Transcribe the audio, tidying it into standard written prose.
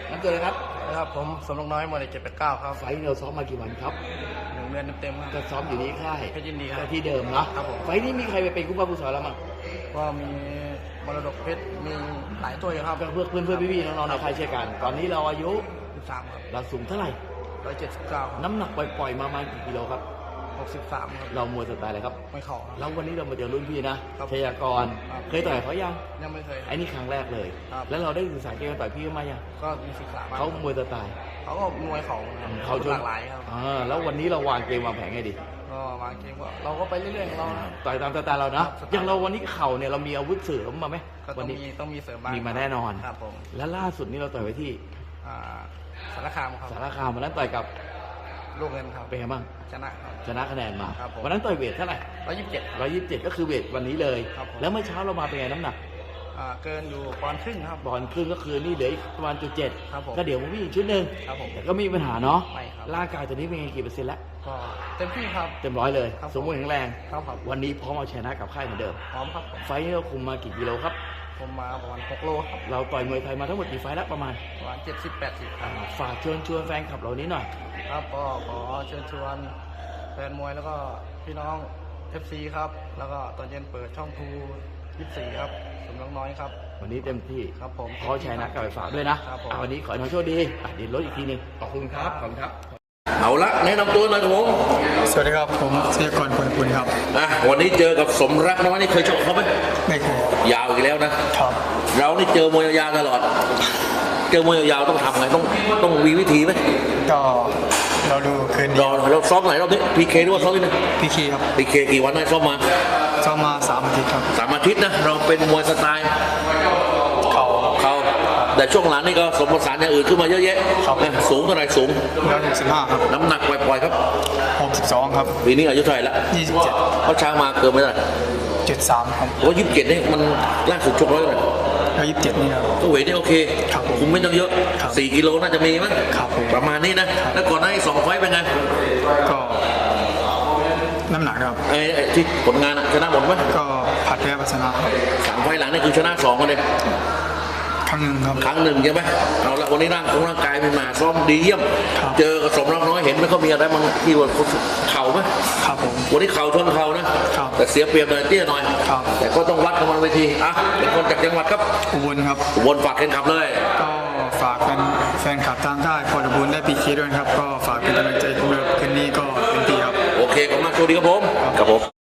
น้ำเกิดเลยครับครับผมสมรกน้อยมวย789ครับไฟท์เราซ้อมมากี่วันครับ 1 เดือนเต็มๆครับก็ซ้อมอยู่ที่ค่ายเพชรยินดีครับที่เดิมเนาะครับผมไฟท์นี้มีใครไปเป็นคู่ป้าผู้สอนแล้วมั้งก็มีมรดกเพชรมีหลายตัวอยู่ครับก็เพื่อนพี่ๆน้องๆในค่ายเช่นกันตอนนี้เราอายุ 13ครับเราสูงเท่าไหร่ 179ครับน้ำหนักปล่อยๆมากี่กิโลครับ 63ครับเรามวยสไตล์อะไรครับไม่เข่าแล้ววันนี้เรามาเจอรุ่นพี่นะชยากรเคยต่อยเขายังไม่เคยไอ้นี่ครั้งแรกเลยแล้วเราได้ศึกษาเกมต่อยพี่มายังก็มีศึกษาเขามวยสไตล์เขาก็มวยเขาชนหลากหลายครับแล้ววันนี้เราวางเกมวางแผนไงดีก็วางเกมก็เราก็ไปเรื่อยๆของเราต่อยตามสไตล์เรานะอย่างเราวันนี้เข่าเนี่ยเรามีอาวุธเสริมมาไหมวันนี้ต้องมีเสริมบ้างมีมาแน่นอนครับผมแล้วล่าสุดนี้เราต่อยไปที่สารคามครับสารคามวันนั้นต่อยกับลูกเงินครับเป็นไงบ้างชนะคะแนนมาวันนั้นต่อยเวทเท่าไหร่127ก็คือเวทวันนี้เลยแล้วเมื่อเช้าเรามาเป็นไงน้ำหนักเกินอยู่ปอนด์ครึ่งครับปอนด์ครึ่งก็คือนี่เหลืออีกประมาณ 7ครับผมก็เดี๋ยวผมวิ่งอีกชุดหนึ่งแต่ก็ไม่มีปัญหาเนาะร่างกายตัวนี้เป็นไงกี่เปอร์เซ็นต์แล้วก็เต็มที่ครับเต็มร้อยเลยสมบูรณ์แข็งแรงครับวันนี้พร้อมเอาชนะกับค่ายเหมือนเดิมพร้อมครับไฟนี้เราคุมมากี่กิโลครับผมมาประมาณ6 โลครับเราต่อยมวยไทยมาทั้งหมดกี่ไฟแล้วประมาณ 70-80ครับฝากเชิญชวนแฟนคลับเรานี้หน่อยครับก็ขอเชิญชวนแฟนมวยแล้วก็พี่น้อง FC ครับแล้วก็ตอนเย็นเปิดช่องทู24ครับสมรกน้อยครับวันนี้เต็มที่ครับผมขอชัยนะกับไปฝากด้วยนะวันนี้ขอให้น้องโชคดีเดี๋ยวลดอีกทีนึงขอบคุณครับเอาละแนะนำตัวหน่อยครับผมสวัสดีครับผมเสียกรพลคุณครับวันนี้เจอกับสมรักน้อยนี่เคยชกเขาไหมไม่เคยยาวอีกแล้วนะครับเรานี่เจอมวยยาวตลอดเจอมวยยาวต้องทำไงต้องมีวิธีไหมก็เราดูคืนเราซ้อมไหนรอบนี้พีเคหรือว่าซ้อมนี่นะพีเคครับพีเคกี่วันได้ซ้อมมา 3 อาทิตย์ครับ 3 อาทิตย์นะเราเป็นมวยสไตล์เขาแต่ช่วงหลังนี่ก็สมผสานอย่างอื่นขึ้นมาเยอะแยะสูงเท่าไหร่สูง 165ครับน้ำหนักปล่อยๆครับ 62ครับปีนี้อายุเท่าไหร่ละ 27 เขาช้างมาเกินไม่ได้ 73ครับโอ้27นี่มันล่าสุดชกร้อยเลย 27นี่ครับก็เวทนี่โอเคคุมไม่ต้องเยอะ4 กิโลน่าจะมีมั้งประมาณนี้นะแล้วก่อนหน้านี้2 ไฟต์เป็นไงก็น้ำหนักครับที่ผลงานชนะหมดไหมก็ผัดแพ้ชนะครับ 3 ไฟต์หลังนี่คือชนะ2กันเลยครั้งหนึ่งครับครั้งหนึ่งใช่ไหมเอาละวันนี้ร่างกายเป็นมาซ้อมดีเยี่ยมเจอกับสมรักน้อยเห็นไหมเขามีอะไรบางที่ว่าเข่าไหมครับผมวันนี้เข่าชนเข่านะแต่เสียเปรียบหน่อยเตี้ยหน่อยแต่ก็ต้องวัดกันบนเวทีเป็นคนจากจังหวัดครับอุบลครับอุบลฝากแฟนคลับเลยก็ฝากแฟนคลับทางค่ายพออุบลได้พีเคด้วยครับก็ฝากเป็นกำลังใจผมเลยคืนนี้ก็เป็นตีครับโอเคขอบคุณมากสวัสดีครับผม